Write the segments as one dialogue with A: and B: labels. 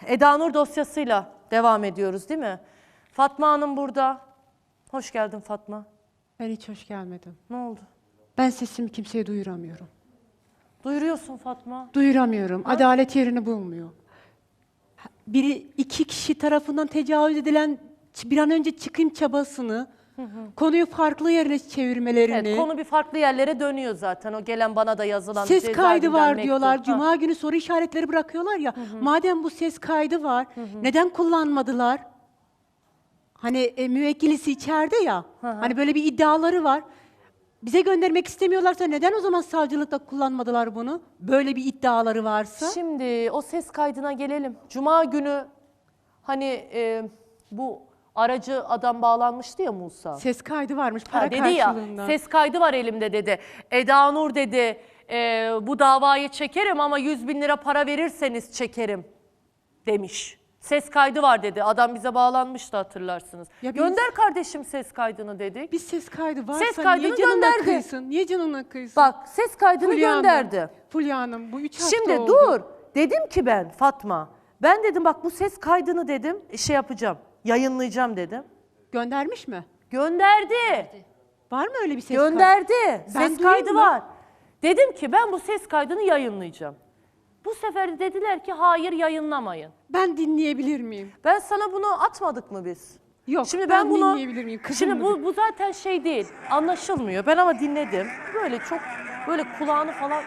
A: Eda Nur dosyasıyla devam ediyoruz değil mi? Fatma Hanım burada. Hoş geldin Fatma.
B: Ben hiç hoş gelmedim.
A: Ne oldu?
B: Ben sesimi kimseye duyuramıyorum.
A: Duyuruyorsun Fatma.
B: Duyuramıyorum. Adalet yerini bulmuyor. İki kişi tarafından tecavüz edilen bir an önce çıkayım çabasını, konuyu farklı yerlere çevirmelerini.
A: Evet, konu bir farklı yerlere dönüyor zaten. O gelen bana da yazılan
B: Ses kaydı
A: cezaevinden
B: var
A: mektup.
B: diyorlar. Cuma günü soru işaretleri bırakıyorlar ya. Madem bu ses kaydı var, neden kullanmadılar? Hani müvekkilisi içeride ya. Hani böyle bir iddiaları var. Bize göndermek istemiyorlarsa neden o zaman savcılıkta kullanmadılar bunu? Böyle bir iddiaları varsa.
A: Şimdi o ses kaydına gelelim. Cuma günü hani bu aracı adam bağlanmıştı ya Musa.
B: Ses kaydı varmış para
A: Dedi ya,
B: karşılığında.
A: ses kaydı var elimde dedi. Eda Nur dedi, bu davayı çekerim ama 100.000 lira para verirseniz çekerim demiş. Ses kaydı var dedi. Adam bize bağlanmıştı hatırlarsınız.
B: Ya
A: Gönder kardeşim ses kaydını dedik.
B: Bir ses kaydı varsa
A: Ses kaydını
B: niye canına
A: gönderdi.
B: kıysın? Niye canına kıysın?
A: Bak ses kaydını
B: Fulya Hanım,
A: gönderdi.
B: Fulya Hanım bu 3 hafta
A: Şimdi
B: oldu.
A: dur. Dedim ki ben Fatma. Ben dedim bak bu ses kaydını dedim şey yapacağım. Yayınlayacağım dedim.
B: Göndermiş mi?
A: Gönderdi.
B: Var mı öyle bir ses kaydı?
A: Gönderdi.
B: Ben
A: Ses
B: duyayım
A: kaydı
B: mı?
A: var. Dedim ki ben bu ses kaydını yayınlayacağım. Bu sefer de dediler ki hayır yayınlamayın.
B: Ben dinleyebilir miyim?
A: Ben sana bunu atmadık mı biz?
B: Yok,
A: Şimdi
B: ben
A: bunu
B: dinleyebilir miyim? Kızım
A: Şimdi
B: mı?
A: bu zaten şey değil. Anlaşılmıyor. Ben ama dinledim. Böyle çok böyle kulağını falan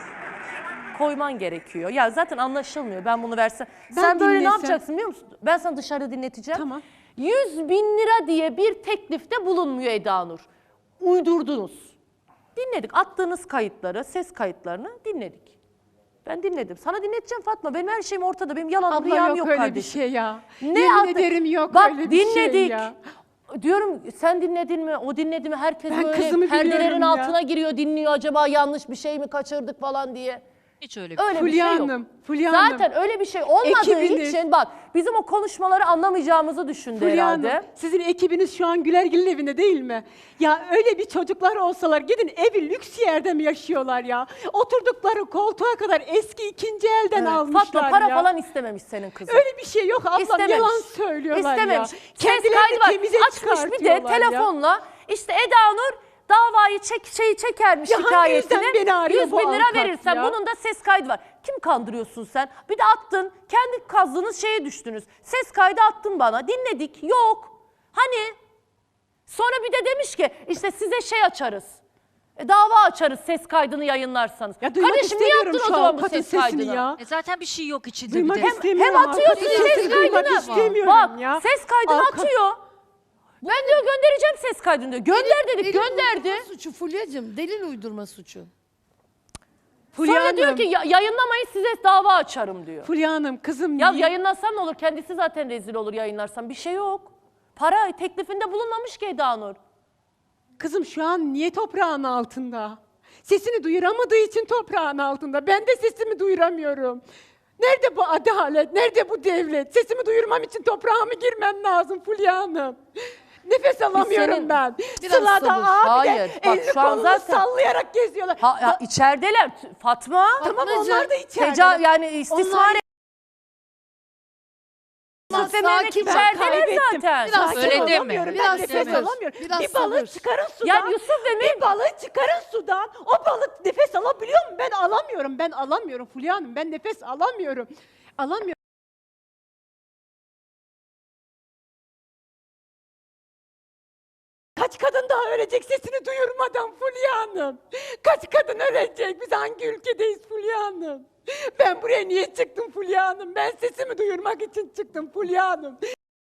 A: koyman gerekiyor. Ya zaten anlaşılmıyor. Ben bunu versem. Sen böyle ne
B: dinlesem-
A: yapacaksın biliyor musun? Ben sana dışarıda dinleteceğim.
B: Tamam.
A: 100.000 lira diye bir teklifte bulunmuyor Eda Nur. Uydurdunuz. Dinledik. Attığınız kayıtları, ses kayıtlarını dinledik. Ben dinledim. Sana dinleteceğim Fatma. Benim her şeyim ortada. Benim yalan
B: Abla
A: rüyam
B: yok
A: yok
B: öyle
A: kardeşim.
B: bir şey ya.
A: Ne
B: Yemin
A: attı-
B: ederim yok
A: Bak,
B: öyle bir şey
A: dinledik.
B: ya.
A: Diyorum sen dinledin mi, o dinledi mi? Herkes
B: Ben
A: böyle
B: kızımı
A: perdelerin
B: biliyorum ya.
A: altına giriyor, dinliyor. Acaba yanlış bir şey mi kaçırdık falan diye.
C: Hiç öyle bir
A: Öyle bir
B: Fulya
A: şey yok.
B: Hanım, Fulya Hanım.
A: Zaten öyle bir şey olmadığı
B: Ekibiniz-
A: için bak bizim o konuşmaları anlamayacağımızı düşündü
B: Fulya
A: herhalde.
B: Hanım, sizin ekibiniz şu an Gülergil'in evinde değil mi? Ya öyle bir çocuklar olsalar gidin evi lüks yerde mi yaşıyorlar ya? Oturdukları koltuğa kadar eski ikinci elden almışlar
A: Fatma para
B: ya.
A: falan istememiş senin kızın.
B: Öyle bir şey yok ablam,
A: İstememiş.
B: yalan söylüyorlar
A: İstememiş.
B: ya.
A: Ses
B: Kendilerini
A: kaydı var.
B: temize
A: Açmış bir de
B: çıkartıyorlar ya.
A: telefonla işte Eda Nur davayı çekermiş
B: Ya hangi
A: şikayetini.
B: yüzden beni arıyor
A: 100
B: bu
A: bin lira
B: avukat
A: verirsen
B: ya?
A: bunun da ses kaydı var. Kim kandırıyorsun sen? Bir de attın. Kendi kazdığınız şeye düştünüz. Ses kaydı attın bana. Dinledik. Yok. Hani? Sonra bir de demiş ki işte size şey açarız. Dava açarız ses kaydını yayınlarsanız.
B: Ya duymak
A: Kardeşim niye
B: istemiyorum
A: attın o
B: şu
A: zaman bu
B: avukatın
A: ses
B: sesini
A: kaydını?
B: ya.
C: zaten bir şey yok içinde
B: Duymak
C: bir de.
B: istemiyorum.
A: Hem atıyorsun
B: avukatın
A: ses
B: sesini duymak
A: kaydını.
B: istemiyorum
A: Bak
B: ya.
A: ses kaydını
B: Avukat-
A: atıyor. Ben diyor göndereceğim ses kaydını diyor. Gönder dedik
D: Delil
A: gönderdi.
D: uydurma suçu Fulya'cığım. Delil uydurma suçu.
B: Fulya
A: Sonra diyor
B: Hanım,
A: ki yayınlamayın size dava açarım diyor.
B: Fulya Hanım kızım
A: Ya
B: niye?
A: yayınlasam ne olur? Kendisi zaten rezil olur yayınlarsam. Bir şey yok. Para teklifinde bulunmamış ki Eda Nur.
B: Kızım şu an niye toprağın altında? Sesini duyuramadığı için toprağın altında. Ben de sesimi duyuramıyorum. Nerede bu adalet? Nerede bu devlet? Sesimi duyurmam için toprağıma girmem lazım Fulya Hanım. Nefes alamıyorum
A: senin-
B: ben.
D: Biraz
B: Sıla'da
D: sabır.
B: abi
A: Hayır,
B: de
A: bak
B: elini
A: şu an
B: kolunu
A: zaten-
B: sallayarak geziyorlar.
A: Ha, içerideler Fatma.
B: Tamam
D: Fatmacığım,
B: onlar da içeride.
A: Yani istismar
D: Onlar-
A: Yusuf ve Mehmet
D: sakin ol,
A: içerideler
B: kaybettim.
A: zaten.
D: Biraz
B: Sakin
C: Öyle deme.
B: olamıyorum, ben
D: Biraz
B: nefes
D: sabır.
B: alamıyorum.
D: Biraz
B: Bir balığı
D: sabır.
B: çıkarın sudan.
A: Ya Yusuf ve Mehmet
B: Bir balığı çıkarın sudan. O balık nefes alabiliyor mu? Ben alamıyorum. Ben alamıyorum Fulya Hanım. Ben nefes alamıyorum. Alamıyorum. Kaç kadın daha ölecek sesini duyurmadan Fulya Hanım? Kaç kadın ölecek? Biz hangi ülkedeyiz Fulya Hanım? Ben buraya niye çıktım Fulya Hanım? Ben sesimi duyurmak için çıktım Fulya Hanım.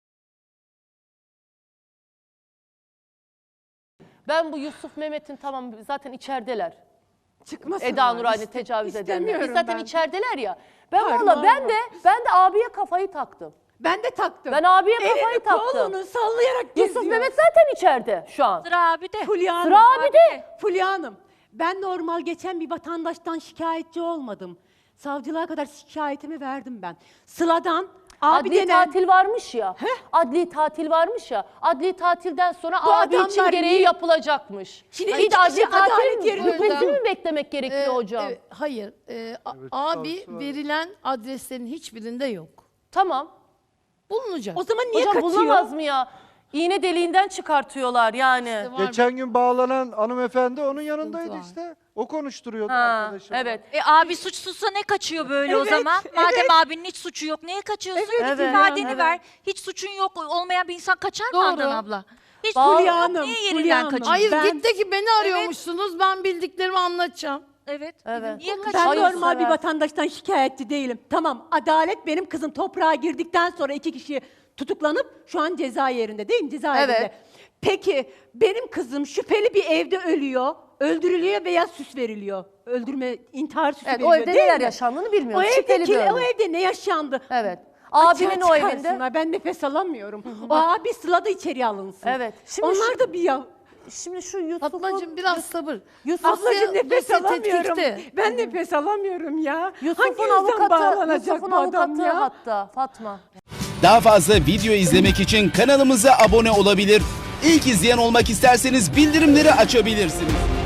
A: Ben bu Yusuf Mehmet'in tamam zaten içerideler.
B: Çıkmasınlar.
A: Eda Nur aynı tecavüz edenler. Biz
B: İstemiyorum
A: zaten
B: ben.
A: içerideler ya. Ben
B: Parmağım
A: valla ben
B: var.
A: de abiye kafayı taktım.
B: Ben de taktım.
A: Ben abiye kafayı
B: Elini
A: taktım.
B: kolunu sallayarak geziyor.
A: Yusuf Mehmet zaten içeride şu an.
C: Sıra abi de.
B: Fulya Hanım.
A: Sıra abi de.
B: Fulya Hanım. Ben normal geçen bir vatandaştan şikayetçi olmadım. Savcılığa kadar şikayetimi verdim ben. Sıla'dan abi
A: Adli
B: denen...
A: tatil varmış ya. Adli tatil varmış ya. Adli tatilden sonra
B: Bu
A: abi için
B: adamlar
A: gereği
B: niye-
A: yapılacakmış.
B: Şimdi
A: İyi de
B: iki
A: adli
B: kişi adalet
A: tatil
B: yerine
A: hükmeti
D: burada-
A: mi beklemek gerekiyor hocam?
D: Hayır. Abi verilen adreslerin hiçbirinde yok.
A: Tamam.
D: Bulunacak.
B: O zaman niye
A: Hocam
B: kaçıyor?
A: bulamaz mı ya? İğne deliğinden çıkartıyorlar yani.
D: Var
E: Geçen gün bağlanan hanımefendi onun yanındaydı
D: var.
E: işte. O konuşturuyordu
A: Ha,
E: arkadaşım.
A: evet.
C: Abi suçsuzsa ne kaçıyor böyle o
B: Evet,
C: zaman?
B: evet.
C: Madem abinin hiç suçu yok, niye kaçıyorsun?
A: Evet,
C: Git ifadeni
A: evet.
C: ver. Hiç suçun yok olmayan bir insan kaçar mı
D: Doğru.
C: Handan abla? Hiç
A: Fulya
C: suçun yok,
B: Hanım,
C: niye
B: Fulya
C: yerinden
B: Hanım.
C: kaçıyorsun?
D: Hayır
B: Ben-
D: gitti ki beni arıyormuşsunuz. Ben bildiklerimi anlatacağım.
C: Evet.
A: Evet.
C: Niye
B: Ben
C: kaçıyorsun?
A: Hayır,
B: normal bir
A: sever.
B: vatandaştan şikayetçi değilim. Tamam, adalet benim kızım toprağa girdikten sonra 2 kişi tutuklanıp şu an cezaevinde değil mi? Cezaevinde.
A: Evet.
B: Peki benim kızım şüpheli bir evde ölüyor, öldürülüyor veya süs veriliyor. Öldürme, intihar süsü
A: Evet,
B: veriliyor
A: o evde
B: değil
A: neler
B: mi?
A: yaşandığını
B: O,
A: bilmiyoruz. Şüpheli bir
B: o
A: ölüm.
B: evde ne yaşandı?
A: Evet.
B: Açığa
A: Abinin o evinde.
B: çıkarsınlar, ben nefes alamıyorum. O abi Sıla da içeri alınsın.
A: Evet. Şimdi
B: Onlar da bir ya.
A: Şimdi şu Yusuf'un...
D: Fatmacığım biraz sabır.
B: Ablacığım nefes
D: Dosya
B: alamıyorum.
D: tetkikte.
B: Ben nefes alamıyorum ya. Hangi
A: Yusuf'un
B: yüzden
A: avukatı,
B: bağlanacak
A: Yusuf'un
B: bu adam
A: avukatı
B: ya?
A: hatta Fatma.
F: Daha fazla video izlemek için kanalımıza abone olabilir. İlk izleyen olmak isterseniz bildirimleri açabilirsiniz.